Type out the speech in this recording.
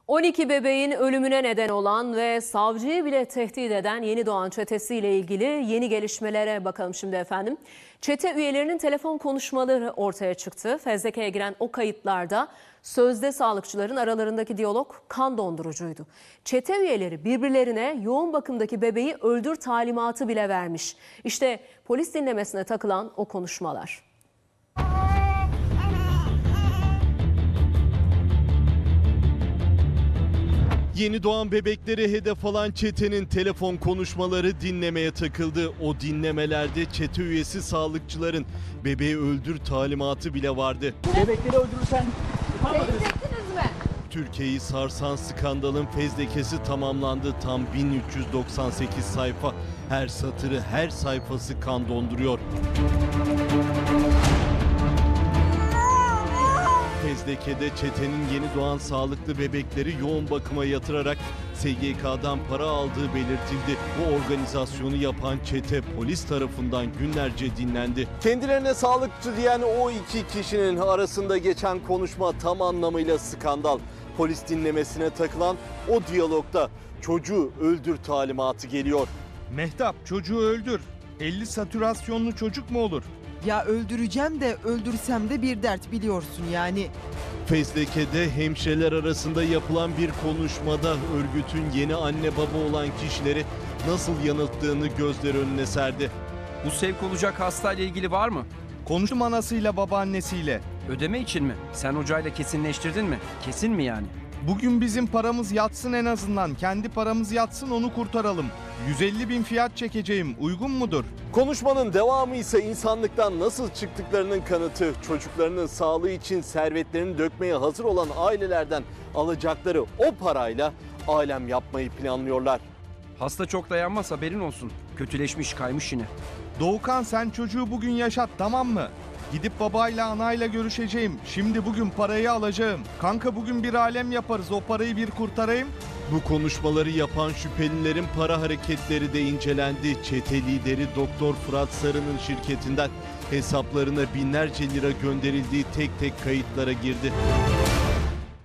12 bebeğin ölümüne neden olan ve savcıyı bile tehdit eden yeni doğan çetesiyle ilgili yeni gelişmelere bakalım şimdi efendim. Çete üyelerinin telefon konuşmaları ortaya çıktı. Fezleke'ye giren o kayıtlarda sözde sağlıkçıların aralarındaki diyalog kan dondurucuydu. Çete üyeleri birbirlerine yoğun bakımdaki bebeği öldür talimatı bile vermiş. İşte polis dinlemesine takılan o konuşmalar. Yeni doğan bebekleri hedef alan çetenin telefon konuşmaları dinlemeye takıldı. O dinlemelerde çete üyesi sağlıkçıların bebeği öldür talimatı bile vardı. Bebekleri öldürürsen Beğenecektiniz mi? Türkiye'yi sarsan skandalın fezlekesi tamamlandı. Tam 1398 sayfa. Her satırı, her sayfası kan donduruyor. Fezleke'de çetenin yeni doğan sağlıklı bebekleri yoğun bakıma yatırarak SGK'dan para aldığı belirtildi. Bu organizasyonu yapan çete polis tarafından günlerce dinlendi. Kendilerine sağlıkçı diyen o iki kişinin arasında geçen konuşma tam anlamıyla skandal. Polis dinlemesine takılan o diyalogda çocuğu öldür talimatı geliyor. Mehtap, çocuğu öldür. 50 satürasyonlu çocuk mu olur? Ya öldüreceğim de öldürsem de bir dert biliyorsun yani. Fezleke'de hemşireler arasında yapılan bir konuşmada örgütün yeni anne baba olan kişileri nasıl yanılttığını gözler önüne serdi. bu sevk olacak hastayla ilgili var mı? Konuştum anasıyla babaannesiyle. Ödeme için mi? Sen hocayla kesinleştirdin mi? Kesin mi yani? Bugün bizim paramız yatsın en azından. Kendi paramız yatsın onu kurtaralım. 150 bin fiyat çekeceğim. Uygun mudur? Konuşmanın devamı ise insanlıktan nasıl çıktıklarının kanıtı. Çocuklarının sağlığı için servetlerini dökmeye hazır olan ailelerden alacakları o parayla alem yapmayı planlıyorlar. Hasta çok dayanmaz, haberin olsun. Kötüleşmiş, kaymış yine. Doğukan sen çocuğu bugün yaşat, tamam mı? Gidip babayla anayla görüşeceğim. Şimdi bugün parayı alacağım. Kanka bugün bir alem yaparız. O parayı bir kurtarayım. Bu konuşmaları yapan şüphelilerin para hareketleri de incelendi. Çete lideri Doktor Fırat Sarı'nın şirketinden hesaplarına binlerce lira gönderildiği tek tek kayıtlara girdi.